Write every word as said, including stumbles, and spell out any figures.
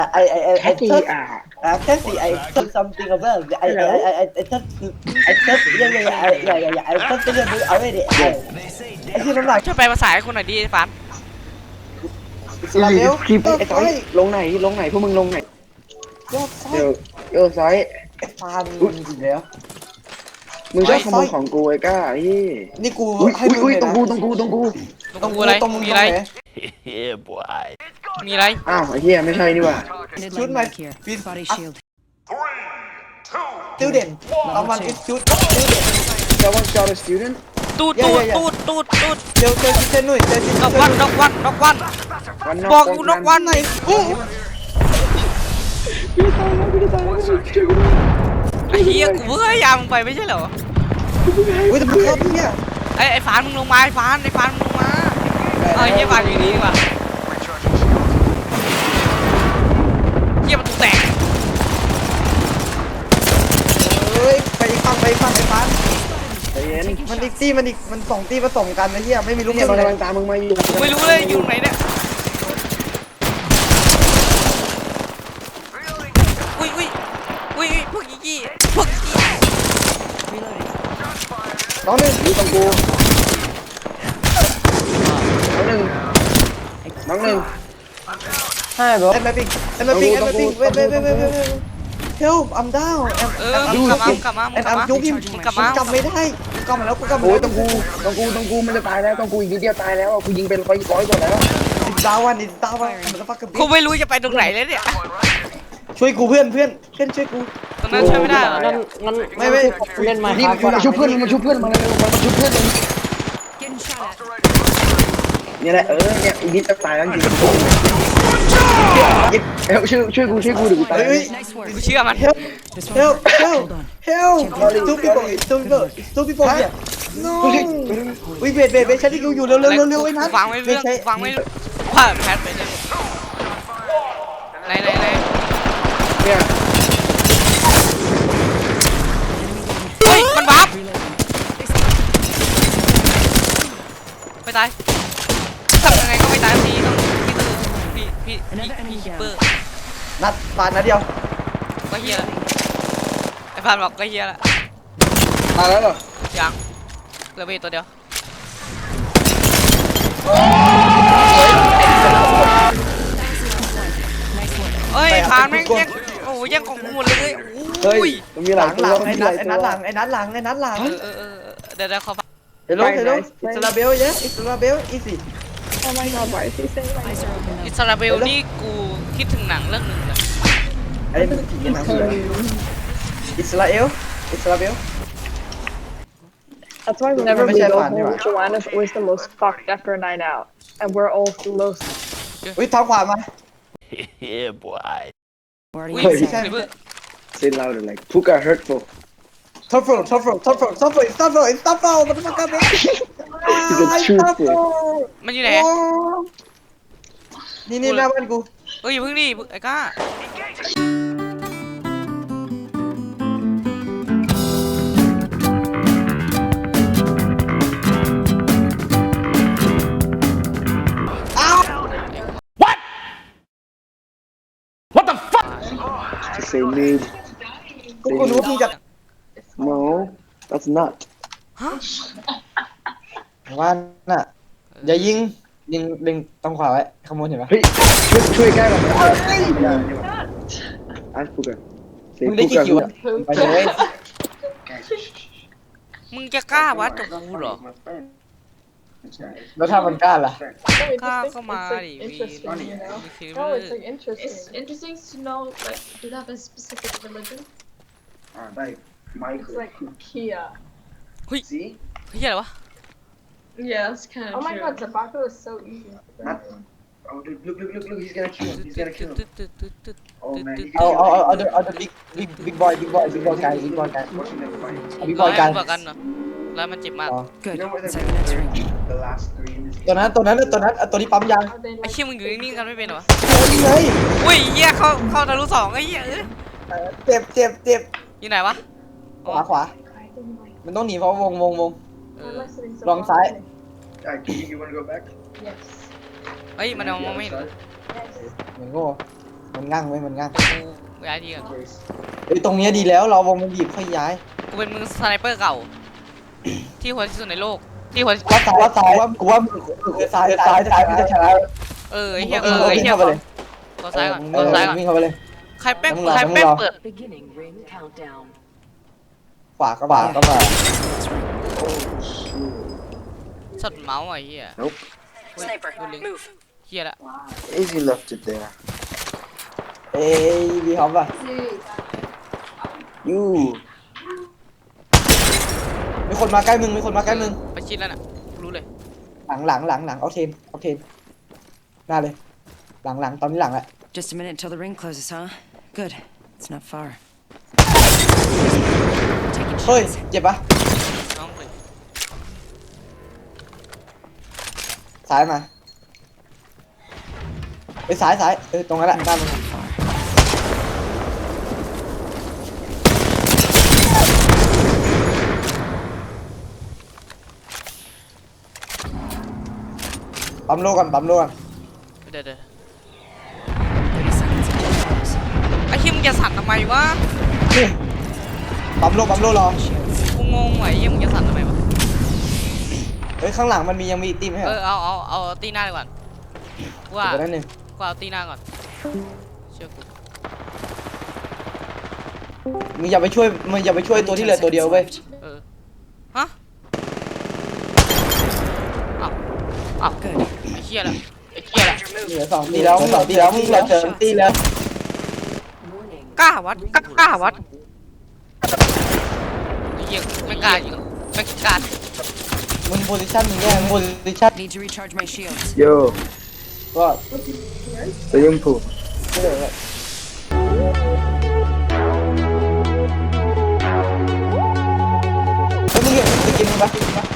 I I I แค่ I ที thought อ่ะ uh, Cassie I thought something about I I I I I thought I thought yeah yeah yeah I- yeah yeah yeah I thought something about already I ไอ้ที่น้ำหนักช่วยแปลภาษาให้คนหน่อยดิฟันอิสราเอลคลิปโยกไอ้ซอซ้าย ยลงไหนลงไหนพวกมึงลงไหนโยกซ้ายเดี๋ยวโยกซ้ายไอ้ฟานมึงอีกแล้วมึงชอบขโมซ้ายยของกูไอ้ก้าพี่นี่กูอุ้ยให้อุ้ยมึงอุ้ยเลยตรงนะกูตรงกูตรงกูตรงกูอะไรตรงมึงมีตรอะไรงไหน Yeah, boy. มีอะไรอ้าวไอ้เหี้ยไม่ใช่นี่หว่าชุด Midline มา back here. Please. Body Ah. shield. ติวเด่นเอามันเป็นชุดติวเด่นเจ้าว่าเจ้าเป็น student ตูดอย่าตูดอย่าตูดตูดตูดเจอเจอชิเชนหนุ่ยเจอชิเชดอกนวันดอกวันดอกวันวันนบอกอยู่ดอกวันไหนอู้ไอ้เหี้ยกูเพิ่งพยายามมึงไปไม่ใช่เหรออุ้ยแต่มึงชอบพี่อ่ะไอ้ไอ้ฟานมึงลงมาไอ้ฟานไอ้ฟานมึงลงมาเอ้ยเหี้ยฟานอยู่นี่ดีกว่าเหี้ยประตูแตกเฮ้ยไปอีกฝั่งไปอีกฝั่งไอ้ฟานใจเย็นมันอีกตี้มันอีกมันสองตี้ผสมกันนะเฮียไม่มีลูกเนี่ยเล่นมันเลยกำลังตามมึงมาอยู่กูไม่รู้เลยอยู่ไหนเนี่ยอุ้ยอุ้ยอุ้ยอุ้ยพวกยี่ยี่พวกยี่น้องหนึ่งอยู่ตรงกูน้องหนึ่งน้องหนึ่งใช่บอเอ็มแมปปิ้งเอ็มแมปปิ้งเอ็มแมปปิ้งเว้ยเว้ยเว้ยเว้ยเว้ยเว้ย help I'm down เออมึงกลับมามึงกลับมามึแอง นกลับอัมมายุกิมมึงกลับมากลับไม่ได้กูกลับมาแล้วกูกลับมาโอ้ยแล้วตรงกูตรงกูตรงกูมันจะตายแล้วตรงกูอีกนิดเดียวตายแล้วอ่ะกูยิงเป็นร้อยร้อยกว่าแล้วอิสตาวันอิสตาวันมันจะฟักกับกูไม่รู้จะไปตรงไหนเลยเนี่ยช่วยกูเพื่อนเพื่อนเพื่อนช่วยกูตรงนั้นช่วยไม่ได้เหรองั้นงั้นไม่ไม่เล่นมานี่ครับมันชุบเพื่อนมันชุบเพื่อนมาเร็วมันชุบเพื่อนเลย Getting shot at. เนี่ยแหละเออเนี่ยอีกนิดจะตายแล้วจริงเอ้ช่วยช่วยกูช่วยกูเดี๋ยวกูตายเฮ้ย Nice work. กูเชื่อมัน help This help one's hurt. help Hold on. help two people two people two people here no อุ้ยเบรดเบรดเบรดใช้ที่กูอยู่เร็วเร็วเร็วเร็วไอ้นั้นฟังไม่เรื่องใช้ฟังไม่ว่าแพทไปเลยไหนไหนไหนเนี่ยเฮ้ยมันบัฟไปตายทำยังไงก็ไม่ตายทีต้องพี่พี่พี่พี่คิปเปอร์นัดปาดนัดเดียวก็เฮียไอ้ฟานบอกก็เฮียละตายแล้วเหรอยังเหลือไปตัวเดียวเฮ้ยฟานแม่งยังโอ้ยยังของกูหมดเลยเฮ้โอ้ยยมันมีหหลาลัยงตัวหลังไอ้นัดไอ้นัดหลังไอ้นัดหลังไอ้นัดหลังเออเออเออเดี๋ยวเดี๋ยวขอฟังเฮลโลเฮลโลอิสราเบลเยสอิสราเบลอีซี่ Eyes are open อิ now. สราเบลนี่กูคิดถึงหนังเรื่องหนึ่งเลยไอ้นี่มันผีหนังเลยอิสราเอลอิสราเบล That's why Never whenever we been go fun, home, yeah. Joanna's always the most fucked after a night out, and we're all the most. อุ้ยท้องขวามา Yeah, boy. Already อุ้ย inside. เพื่อ say louder like Puka hurtful ท็อปโฟร์ท็อปโฟร์ท็อปโฟร์ท็อปโฟร์ท็อปโฟร์ท็อปโฟร์มันจะมากันไหม He's a true fool มันอยู่ไหนนี่นี่หน้าบ้านกูเฮ้ยอย่าเพิ่งดิไอ้ก้า to say mid กูกูรู้ว่าพี่จะ no that's not ว่าน่ะอย่ายิงยิงเล็งตรงขวาไว้ขโมยเห็นปะเฮ้ยช่วยช่วยใกล้หน่อยอาร์ตพูกันมึงได้กี่คิวอะไปเลยมึงจะกล้าวัดกับกูเหรอแล้วถ้ามันกล้าล่ะกล้า It's เข้ามา like ดิ interesting, วี you know? มีคิว No, it's like interesting. It's interesting to know, like, do you have a specific religion? It's like Kia. เฮ้ย see เฮ้ยอะไรวะ Yeah, that's kind of Oh my true. god, tobacco is so easy. oh dude look look look look he's gonna kill him he's gonna kill him oh man he เอา can เอาเอาเอาเดเอาเดบิ๊กบิ๊กบิ๊กบอยบิ๊กบอยบิ๊กบอยไกบิ๊กบอยไก watching them fight บิ๊กบร้ออย ยไกมันบอกกันเหรอร้อยมันเจ็บมากอ๋อ Good. you know what Inside the next ring. the last three in this ตัวนั้นตัวนั้นตัวนั้นตัวนี้ปั๊มยาง Are they ไอ้ like เชี่ยมึงอยู่นิ่งๆกันไม่เป็นเหรอวะยิงเลยอุ้ยเหี้ยเข้าเข้าทะลุสองไอ้เหี้ยเอ้ยเจ็บเจ็บเจ็บอยู่ไหนวะขวาขวา I didn't like มันต้องหนีเพราะวงวงวงเอ I'm อ listening so Wrong side. far. guy you you wanna go back Yes. เฮ้ยมันมองไม่เห็น Yes. เหมือนโง่มันงั่งไว้มันงั่งกูย้ายทีก่อนเอ้ยตรงเนี้ยดีแล้วเราวงมันบีบค่อยย้ายกูเป็นมือสไนเปอร์เก่า ที่โหดที่สุดในโลกที่โหดว่าซ้ายว่าซ้ายว่ากูว่าซ้ายซ้ายซ้ายมันจะชนะเออไอ้เหี้ยเออไอ้เหี้ยเข้าไปเลยตัวซ้ายก่อนเอตัวอซ้ายก่อนวิ่งเข้าไปเลยใครแป้งมึงรอใครมึงแป้งรอเปิด Beginning ring countdown. ขวาก็ขวาก็มาช็อตเมาส์ไอ้เหี้ย Nope. Sniper, ดูลิง move. เหี้ยละ Easy left it there. เอ้ยบีฮอปอ่ะยูมีคนมาใกล้มึงมีคนมาใกล้มึงไปชิดแล้วน่ะรู้เลยหลังหลังหลังหลังเอาเทนเอาเทนหน้าเลยหลังหลังตอนนี้หลังแหละ Just a minute until the ring closes, huh? Good. It's not far. Taking เฮ้ย shots. เจ็บปะน้องเลยซ้ายมาไปซ้ายซ้ายเออตรงนั้นแหละด้านมึง Not far. ปั๊มโลก่อนปั๊มโลก่อนเดี๋ยวเดี๋ยว thirty seconds until it closes. ไอ้เหี้ยมึงจะสั่นทำไมวะนี่ปั๊มโลปั๊มโลรอกูงงว่ะไอ้เหี้ยมึงจะสั่นทำไมวะเฮ้ยข้างหลังมันมียังมีอีกตีมไหมเอเหรออเอาเอาเอาตีหน้าดีกว่ากูว่าเดี๋ยวนั่นหนึ่งกูเอาตีหน้าก่อนเชื่อกูมึงอย่าไปช่วยมึงอย่าไปช่วยตัวที่เหลือตัวเดียวเว้ยเออฮะอ้าวอ้าว Good. ไอ้เหี้ยละไอ้เหี้ยละเหลือสองตีแล้วมึงสองตีแล้วมึงเหลือเจอตีแล้ว Warning. กล้าวัดกล้ากล้าวัดไอ้เหี้ยไม่กล้ายิงไม่กล้ามึงโพซิชั่นมึงแย่มึงโพซิชั่น Need to recharge my shields. Yo, ก็ swimming pool. ไม่เหลือเลยเฮ้ยมึงเห็นสกินมึงปะ